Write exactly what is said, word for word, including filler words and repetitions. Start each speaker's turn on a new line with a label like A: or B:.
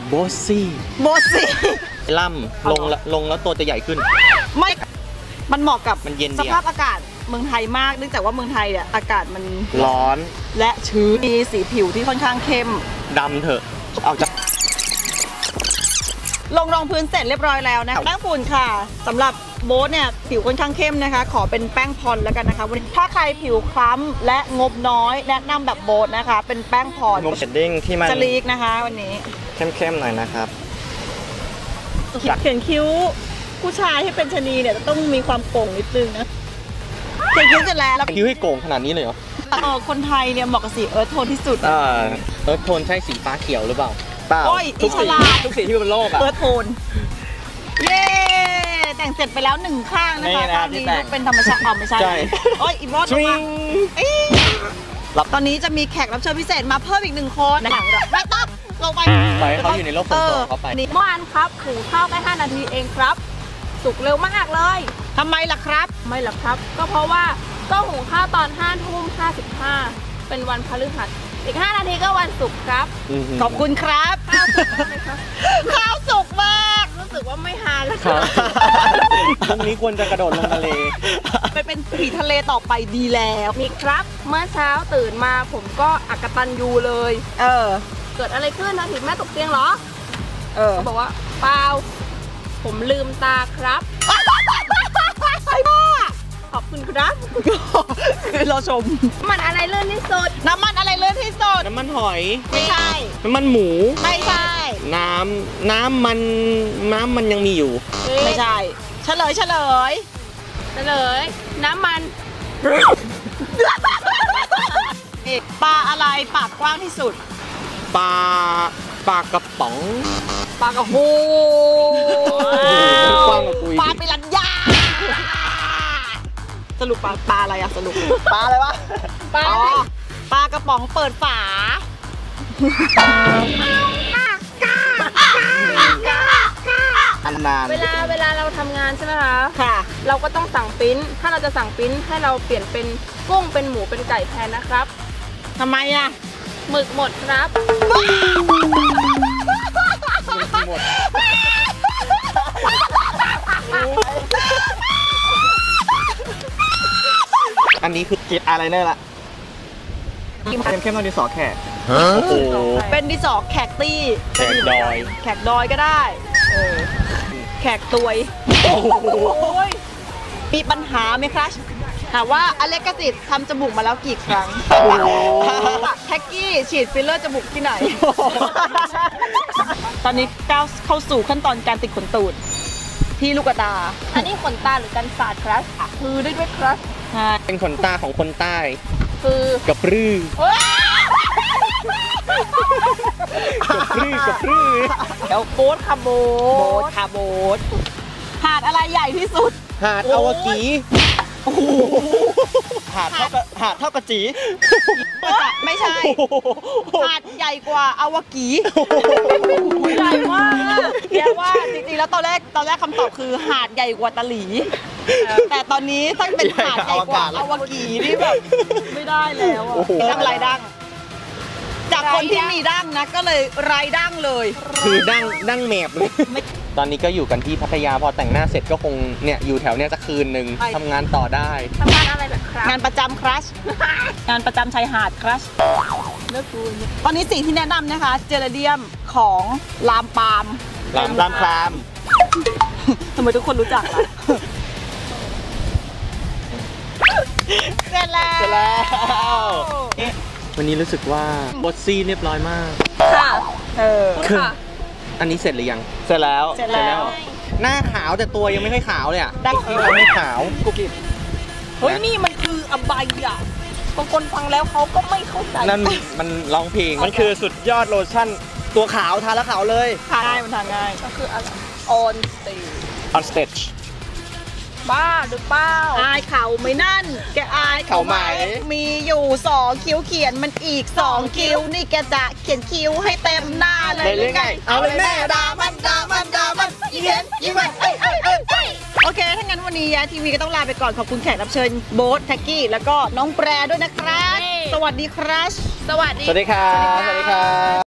A: โบซี่
B: โบซี่
A: ล่ำลงลงแล้วตัวจะใหญ่ขึ้น
B: ไม่มันเหมาะกับ
A: มันเย็น
B: สภาพอากาศเมืองไทยมากเนื่องจากว่าเมืองไทยเนี่ยอากาศมัน
A: ร้อน
B: และชื้นมีสีผิวที่ค่อนข้างเข้ม
A: ดำเถอะเอาจาก
B: ลงรองพื้นเสร็จเรียบร้อยแล้วนะแป้งฝุ่นค่ะสำหรับโบ๊ทเนี่ยผิวค่อนข้างเข้มนะคะขอเป็นแป้งพรแล้วกันนะคะวันนี้ถ้าใครผิวคล้ำและงบน้อยแนะนำแบบโบ๊ทนะคะเป็นแป้งพรง
A: บเชดดิ้งที่มัน
B: สลีกนะคะวันนี้
A: เข้มๆหน่อยนะครับ
B: เขียนคิ้วผู้ชายให้เป็นชนีเนี่ยต้องมีความโก่งนิดนึงนะเขียนคิ้วเสร็จแล้ว
A: คิ้วให้โก่งขนาดนี้เลยเหรอ
B: เออคนไทยเนี่ยเหมาะกับสีเอิร์ธโทนที่สุด
A: อ่าเอิร์ธโทนใช่สีฟ้าเขียวหรือเปล่าเปล่า
B: ทุกสี
A: ทุกสีที่บนโลกอะ
B: เอิร์ธโทนเย้แต่งเสร็จไปแล้วหนึ่งข้างนะคะตอนนี้เป็นธรรมชาติอ๋อไม่ใช่โอ้ยอีกรอบนึงรับตอนนี้จะมีแขกรับเชิญพิเศษมาเพิ่มอีกหนึ่งคนหลังไม่ต้องลงไป
A: ไปเขาอยู่ในโลกส่วนตัวเขาไป
B: เมื่อวานครับหุงข้าวแค่ห้านาทีเองครับสุกเร็วมากเลยทำไมล่ะครับไม่ล่ะครับก็เพราะว่าก็หุงข้าวตอนห้าทุ่มห้าสิบห้าเป็นวันพฤหัสอีกห้านาทีก็วันศุกร์ครับขอบคุณครับข้าวสุกมากไหมครับข้าวสุกมากรู้สึกว่าไม่ฮาแล้วครับ
A: พรุ่งนี้ควรจะกระโดดลงทะเล
B: ไปเป็นผีทะเลต่อไปดีแล้วมีครับเมื่อเช้าตื่นมาผมก็อักตันยูเลยเออเกิดอะไรขึ้นนะถึงแม่ตกเตียงเหรอเออเขาบอกว่าเปล่าผมลืมตาครับขอบคุณครับคือเราชมน้ำมันอะไรเลื่อนที่สุดน้ำมันอะไรเลื่อนที่สุด
A: น้ำมันหอย
B: ไม่ใช่
A: น้ำมันหมู
B: ไม่ใช่
A: น้ำน้ำมันน้ำมันยังมีอยู่
B: ไม่ใช่เฉลยเฉลยเฉลยน้ำมันปลาอะไรปากกว้างที่สุด
A: ปลาปลากระป๋อง
B: ปลากระโหปลาปิรันยาสรุปปลาปลาอะไรอะสรุปปลาอะไรวะปลาปลากระป๋องเปิดฝา
A: นาน
B: เวลาเวลาเราทำงานใช่ไหมคะค่ะเราก็ต้องสั่งปิ้นถ้าเราจะสั่งปิ้นให้เราเปลี่ยนเป็นกุ้งเป็นหมูเป็นไก่แทนนะครับทำไมอะหมึกหมดครับหมด
A: อันนี้คือเจ็ดอะไรเนี่ยล่ะเข้มเข้มต้องดินสอแขกโอ้โห
B: เป็นดินสอแขกตี้
A: แขกดอย
B: แขกดอยก็ได้เออแขกตวยมีปัญหาไหมครับถามว่าอเล็กซิสทำจมูกมาแล้วกี่ครั้งแท็กกี้ฉีดฟิลเลอร์จมูกที่ไหนตอนนี้ก้าวเข้าสู่ขั้นตอนการติดขนตูดที่ลูกตาอันนี้ขนตาหรือกันศาสตร์ครับคือได้ด้วยครับ
A: เป็นขนตาของคนใต้
B: คือก
A: ระปรื้อกระปรื้อกระปรื้อ
B: แล้วโบ๊ทคาโบ๊ทคาโบ๊ทหาดอะไรใหญ่ที่สุด
A: หาดอวกีหาดเท่ากับหาดเท่ากับจี
B: ไม่ใช่หาดใหญ่กว่าอวกีใหญ่มากเรียกว่าจริงๆแล้วตอนแรกตอนแรกคำตอบคือหาดใหญ่กว่าตะหลีแต่ตอนนี้ถ้าเป็นหาดใหญ่กว่าอวกีนี่แบบไม่ได้แล้วดั้งไรดั้งจากคนที่มีดั้งนะก็เลยไรดั้งเลย
A: คือดั้งดั้งแมบเลยตอนนี้ก็อยู่กันที่พัทยาพอแต่งหน้าเสร็จก็คงเนี่ยอยู่แถวเนี้ยจะคืนหนึ่งทำงานต่อได้
B: ทำงานอะไรแบบครับงานประจำครัชงานประจำชายหาดครัชเลิกกูตอนนี้สิ่งที่แนะนำนะคะเจลาเดียมของลามปาม
A: ลามลามคลาม
B: ทำไมทุกคนรู้จักล่ะเสร็จแล้ว
A: เสร็จแล้ววันนี้รู้สึกว่าบอสซี่เรียบร้อยมาก
B: ค่ะเออ
A: อันนี้เสร็จหรือยังเสร็จแล้ว
B: เสร็จแล้ว
A: หน้าขาวแต่ตัวยังไม่ค่อยขาวเลยอ่ะดั้งยังไม่ขาวกุกิ
B: เฮ้ยนี่มันคืออบายอ่ะบางคนฟังแล้วเขาก็ไม่เข้าใจ
A: นั่นมันร้องเพลงมันคือสุดยอดโลชั่นตัวขาวทาแล้วขาวเลย
B: ทาง่ายมันทาง่ายก็คืออะไร on stage
A: on stage
B: บ้าหรือเปล่าอายเขาไม่นั่นแกอายเขาไหมมีอยู่สองคิ้วเขียนมันอีกสองคิ้วนี่แกจะเขียนคิ้วให้เต็มหน้าเลยหรือไง
A: เอาเลยแม่ด่ามันด่ามันด่ามันอีเห็นอีมันเอ้ยเอ้ยเอ้ย
B: โอเคถ้างั้นวันนี้ยาทีวีก็ต้องลาไปก่อนขอบคุณแขกรับเชิญโบ๊ทแท็กกี้แล้วก็น้องแปรด้วยนะครับสวัสดีครับ
A: สวัสดีสวัสดีครับสวัสดีครับ